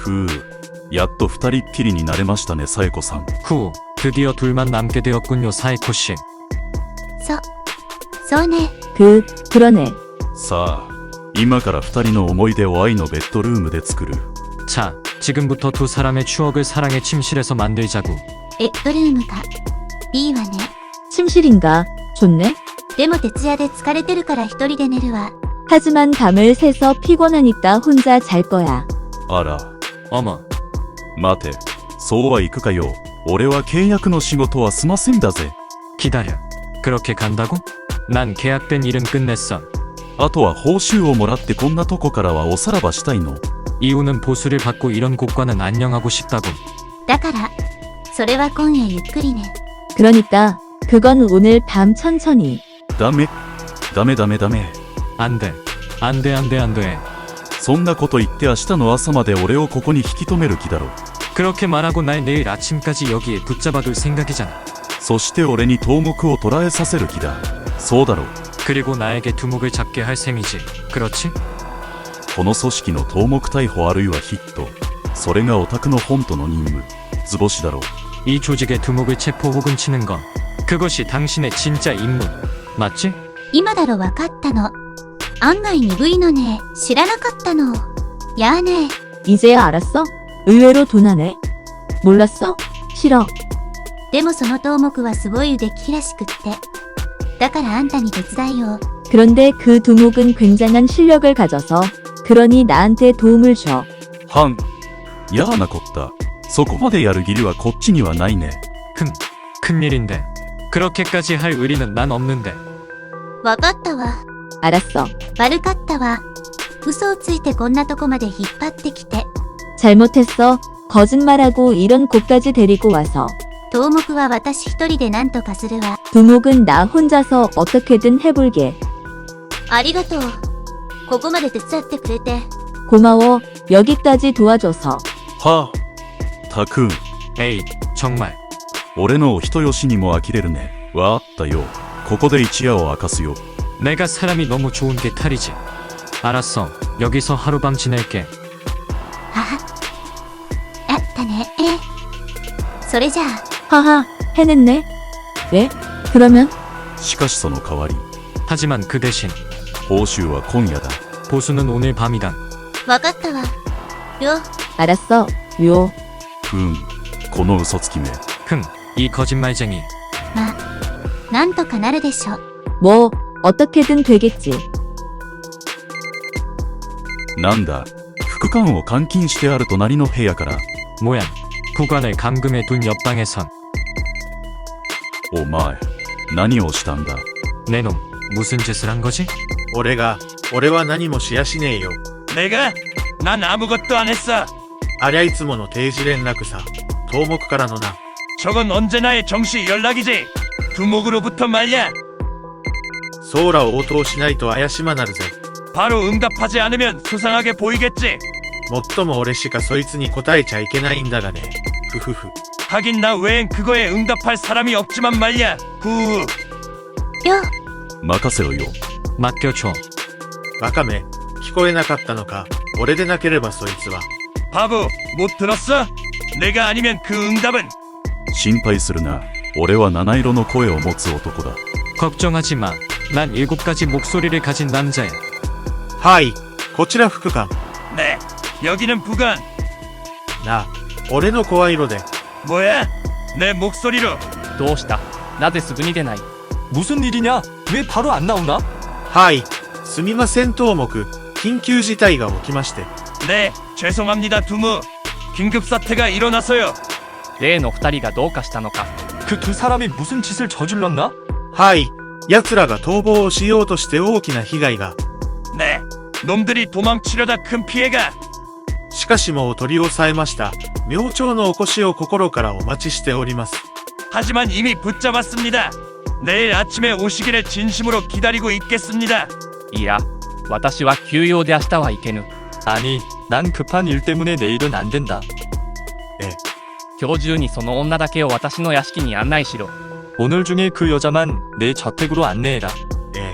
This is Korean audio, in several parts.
やっと二人っきりになれましたね、サエコさん。 후, 드디어 둘만 남게 되었군요, 사에코 씨. そうね。 그러네. さあ、今から二人の思い出を愛のベッドルームで作る。 자, 지금부터 두 사람의 추억을 사랑의 침실에서 만들자구. ベッドルームか。いいわね。 침실인가? 좋네. でも徹夜で疲れてるから一人で寝るわ。 하지만 밤을 새서 피곤하니까 혼자 잘 거야. あら、 어머, 待て、そうはいくかよ。俺は契約の仕事は済ませんだぜ。 기다려. 그렇게 간다고? 난 계약된 일은 끝냈어. あとは報酬をもらってこんなとこからはおさらばしたいの。 이유는 보수를 받고 이런 곳과는 안녕하고 싶다고. だから、それは今夜ゆっくりね。 그러니까 그건 오늘 밤 천천히. ダメ。ダメダメダメ。 안 돼. 안 돼, 안 돼, 안 돼. そんなこと言って明日の朝まで俺をここに引き止める気だろ。 그렇게 말하고 날 내일 아침까지 여기에 붙잡아둘 생각이잖아. そして俺に頭目を捉えさせる気だ。そうだろう。 그리고 나에게 두목을 잡게 할 셈이지. 그렇지? この組織の頭目逮捕あるいはヒット。それがオタクの本当の任務。図星だろう。 이 조직의 두목을 체포 혹은 치는 건 그것이 당신의 진짜 임무. 맞지? 今だろわかったの。案外鈍いのね。知らなかったの。やあね。 이제야 알았어? 의외로 도나네. 몰랐어? 싫어. でもその頭目はすごい腕利きらしくって。だからあんたに手伝いを。 그런데 그 두목은 굉장한 실력을 가져서 그러니 나한테 도움을 줘. はん。やなこった。そこまでやる義理はこっちにはないね。 큰일인데. 그렇게까지 할 의리는 난 없는데. わかったわ。 알았어. 悪かったわ。嘘をついてこんなとこまで引っ張ってきて。 잘못했어. 거짓말하고 이런 곳까지 데리고 와서. 頭目は私一人で何とかするわ。 두목은 나 혼자서 어떻게든 해볼게. ありがとう。ここまで手伝ってくれて。 고마워. 여기까지 도와줘서. はあ。たくん、 에이, 정말. 俺のお人よしにも呆れるね。わあったよ。ここで一夜を明かすよ。 내가 사람이 너무 좋은 게 탈이지. 알았어. 여기서 하룻밤 지낼게. あったね。それじゃあ。 하하, 해냈네. 왜? 그러면? しかしその代わり、 하지만 그 대신 報酬は今夜だ。 보수는 오늘 밤이다. わかったわ。よ。 알았어. 요. この嘘つきめ。 이 거짓말쟁이. なんとかなるでしょ。 뭐, 어떻게든 되겠지. なんだ、副官を監禁してある隣の部屋から。 모양. 구관을 감금해 둔 옆방에선 お前、何をしたんだ。 내놈 무슨 짓을 한 거지? 俺は何もしやしねえよ。 내가? 난 아무것도 안 했어. ありゃいつもの定時連絡さ。頭目からのな。 저건 언제나의 정시 연락이지. 두목으로부터 말이야. ソーラを応答しないと怪しまなるぜ。 바로 응답하지 않으면 수상하게 보이겠지. もっとも俺しかそいつに答えちゃいけないんだがね。ふふふ。 하긴 나 외엔 그거에 응답할 사람이 없지만 말이야. 후. よ。 任せろよ。 맡겨줘. バカめ、聞こえなかったのか。俺でなければそいつは。 바보, 못 들었어? 내가 아니면 그 응답은 心配するな。俺は七色の声を持つ男だ。 걱정하지 마. 난 7가지 목소리를 가진 남자야. はい、こちら副官。 네. 여기는 부관. なあ、俺の声色で。 뭐야? 내 목소리로. どうしたなぜすぐに出ない 무슨 일이냐? 왜 바로 안 나오나? はい、すみません頭目。緊急事態が起きまして。 네, 죄송합니다, 두무. 긴급 사태가 일어나서요. 例の二人がどうかしたのか 그 두 사람이 무슨 짓을 저질렀나? はい、奴らが逃亡をしようとして大きな被害が。 네. 놈들이 도망치려다 큰 피해가. しかしもう取り押さえました。明朝のお越しを心からお待ちしております。 하지만 이미 붙잡았습니다. 내일 아침에 오시기를 진심으로 기다리고 있겠습니다. いや私は休養で明日は行けぬ 아니, 난 급한 일 때문에 내일은 안 된다. 今日中にその女だけを私の屋敷に案内しろ 오늘 중에 그 여자만 내 저택으로 안내해라.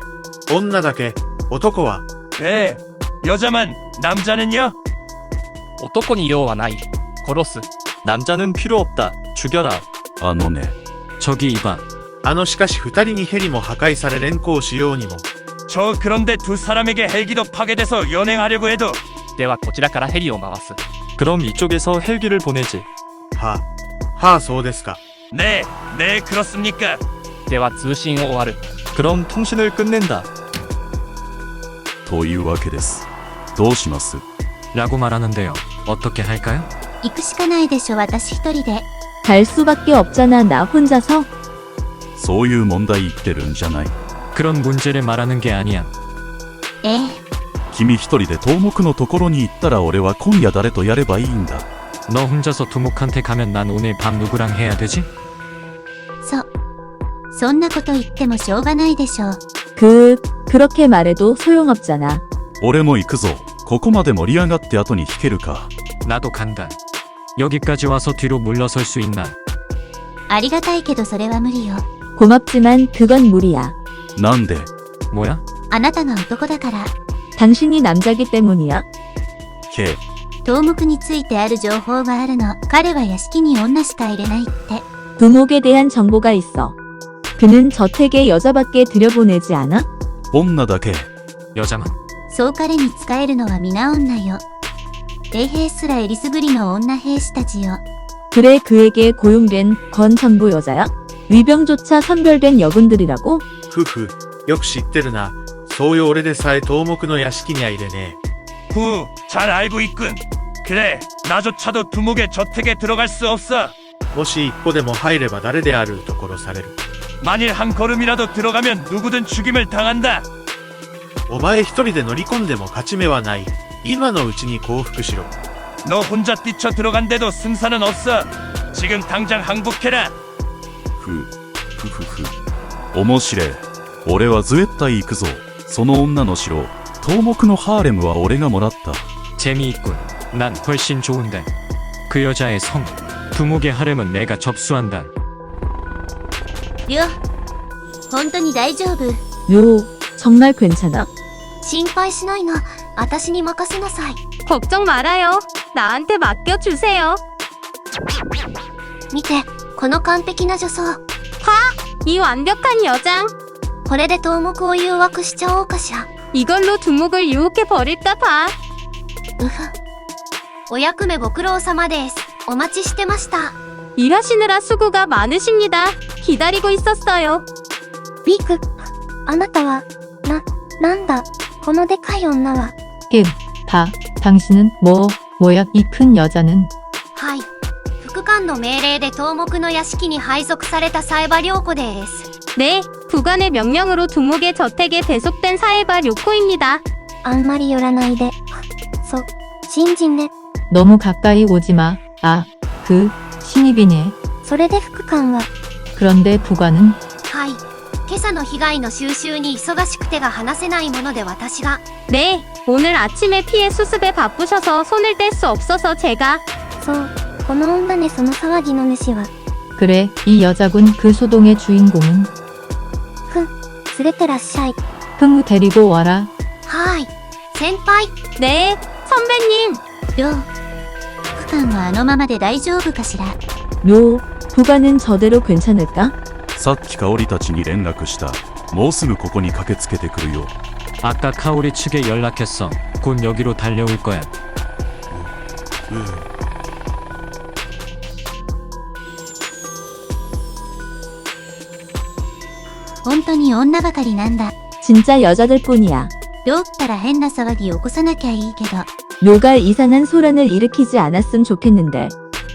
女だけ、男は。 네. 여자만, 남자는요? 男に用はない。殺す。 남자는 필요 없다. 죽여라. あのね、 저기 이봐. しかし二人にヘリも破壊され連行しようにも。 저 그런데 두 사람에게 헬기도 파괴돼서 연행하려고 해도 ではこちらからヘリを回す。 그럼 이쪽에서 헬기를 보내지. はあ、そうですか。 네 그렇습니까? では通信を終わる。 그럼 통신을 끝낸다. というわけです。どうします？ 라고 말하는데요. 어떻게 할까요? 行くしかないでしょ、私一人で。 갈 수밖에 없잖아, 나 혼자서. そういう問題言ってるんじゃない。 그런 문제를 말하는 게 아니야. ええ、 君一人で東目のところに行ったら俺は今夜誰とやればいいんだ。 너 혼자서 두목한테 가면 난 오늘 밤 누구랑 해야 되지? そんなこと言ってもしょうがないでしょう。 그렇게 말해도 소용없잖아. 俺も行くぞ。ここまで盛り上がって後に引けるか。 나도 간다. 여기까지 와서 뒤로 물러설 수 있나? ありがたいけどそれは無理よ。 고맙지만 그건 무리야. なんで？ 뭐야? あなたが男だから。 당신이 남자기 때문이야. け、 頭目についてある情報があるの。彼は屋敷に女しか入れないって。 두목에 대한 정보가 있어. 그는 저택에 여자밖에 들여보내지 않아? 女だけ。 여자만. そう彼に仕えるのは皆女よ。衛兵すらえりすぐりの女兵士たちよ。 그래 그에게 고용된 건 전부 여자야? 위병조차 선별된 여군들이라고? ふふ、よく知ってるな。そういう俺でさえ東目の屋敷には入れね 후, 잘 알고 있군. 그래, 나조차도 두목의 저택에 들어갈 수 없어. え。もし一歩でも入れば誰であると殺される。 만일 한 걸음이라도 들어가면 누구든 죽임을 당한다. お前一人で乗り込んでも勝ち目はない。今のうちに降伏しろ。 너 혼자 뛰쳐 들어간데도 승산은 없어. 지금 당장 항복해라. ふ面白い。俺は絶対行くぞ。その女の城、東目のハーレムは俺がもらった。 재미있군. 난 훨씬 좋은데. 그 여자의 성, 두목의 하렘은 내가 접수한다. りょう、本当に大丈夫？ 요, 정말 괜찮아? 心配しないの。私に任せなさい。 걱정 말아요. 나한테 맡겨주세요. 見て、この完璧な女装。 이 완벽한 여장. これで頭目を誘惑しちゃおうかしら。 이걸로 두목을 유혹해 버릴까 봐. うふ。お役目ご苦労様です。お待ちしてました。 일하시느라 수고가 많으십니다. 기다리고 있었어요. ビク、あなたは、なんだ、このでかい女は。 당신은 뭐야 이 큰 여자는. はい。副官の命令で頭目の屋敷に配属されたサエバ良子です。 네, 부관의 명령으로 두목의 저택에 배속된 사에바 료코입니다. あんまり寄らないで。新人ね。 너무 가까이 오지 마. 신입이네. それで副官は。 그런데 부관은. はい。今朝の被害の収集に忙しくてが話せないもので私が。 네, 오늘 아침에 피해 수습에 바쁘셔서 손을 뗄 수 없어서 제가. そう、この女ねその騒ぎの主は。 그래, 이 여자군 그 소동의 주인공은. 連れてらっしゃい。 흥우 데리고 와라. はい。先輩。 네, 선배님. りょう。副官はあのままで大丈夫かしら。 요, 부관은 저대로 괜찮을까? さっき香織たちに連絡した。もうすぐここに駆けつけてくるよ。 아까 카오리 측에 연락했어. 곧 여기로 달려올 거야. 本当に女ばかりなんだ。 진짜 여자들뿐이야. りょうったら変な騒ぎ起こさなきゃいいけど。 료가 이상한 소란을 일으키지 않았음 좋겠는데.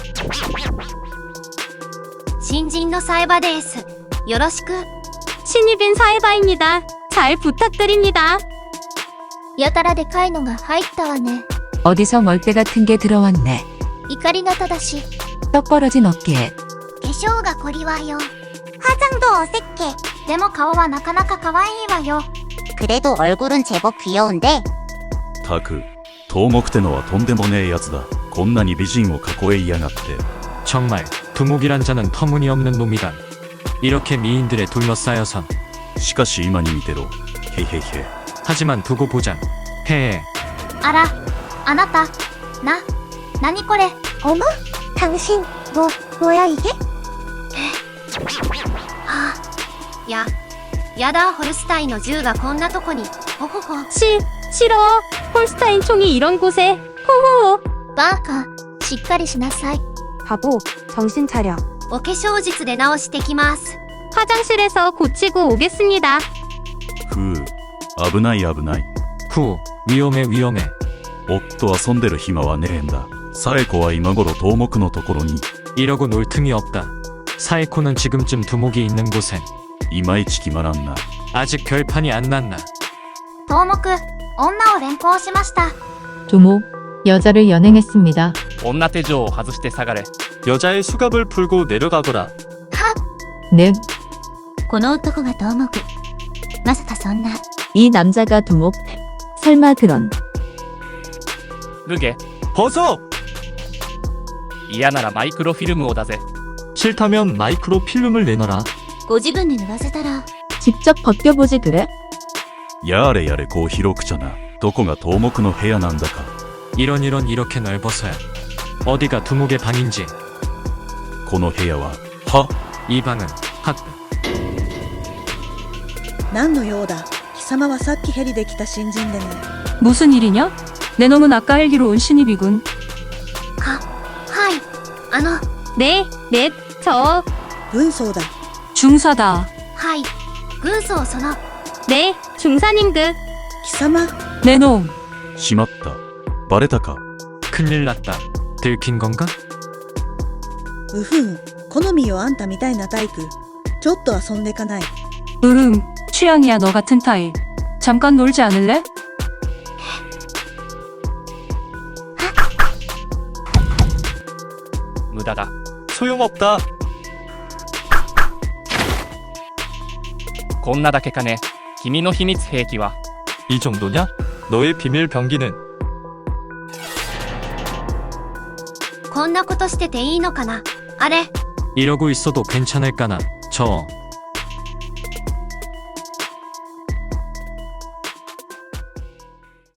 新人のサエバです。よろしく。 신입인 사에바입니다. 잘 부탁드립니다. やたらでかいのが入ったわね。 어디서 멀대 같은 게 들어왔네. 怒り型だし。 떡 벌어진 어깨에. 化粧がこりわよ。화장도 어색해. でも顔はなかなか可愛いわよ。 그래도 얼굴은 제법 귀여운데. たく、東目ってのはとんでもねえやつだ。こんなに美人を囲えやがって。 정말 두목이란 자는 터무니없는 놈이다. 이렇게 미인들에 둘러싸여선. しかし今に見てろ。へへへ。 하지만 두고 보자. 헤헤. あら、あなた、 何これ어머? 당신 뭐야 이게? 야다 홀스타인の銃がこんなとこに。ほほほ。싫어. 홀스타인 총이 이런 곳에. 호호. バカしっかりしなさい 바보. 정신 차려. お化粧術で直してきます. 화장실에서 고치고 오겠습니다. ふう危ない危ない 후, 위험해 위험해. 夫遊んでる暇はねえんだサエコは今頃東目のところに 이러고 놀 틈이 없다. 사에코는 지금쯤 두목이 있는 곳엔. いまいち決まらんな 아직 결판이 안 났나. 頭目女を連行しました 두목, 여자를 연행했습니다. 女手錠を外して下がれ。 여자의 수갑을 풀고 내려가거라. 넵, この男が頭目まさかそんな 이 남자가 두목. 설마 그런. 脱げ。 벗어! 嫌ならマイクロフィルムをだぜ。 싫다면 마이크로 필름을 내놔라. ご自分で脱がせたら 직접 벗겨보지 그래? やれやれこう広くちゃなどこが東目の部屋なんだか 이런 이렇게 넓어서야. 어디가 두목의 방인지. この部屋は 이 방은 학. 何の用だ貴様はさっきヘリで来た新人でね 무슨 일이냐? 내 놈은 아까 헬기로 온 신입이군. はい 네, 저 軍曹だ 중사다. はい軍曹その 네, 중사님급. 貴様 내 놈. しまったバレたか 큰일 났다. 들킨 건가? うふん好みよあんたみたいなタイプちょっと遊んでかない 취향이야 너 같은 타입. 잠깐 놀지 않을래? 무다다. 소용없다. こんなだけかね。君の秘密兵器は。 이 정도냐? 너의 비밀 병기는 こんなことしてていいのかなあれ 이러고 있어도 괜찮을까나. 저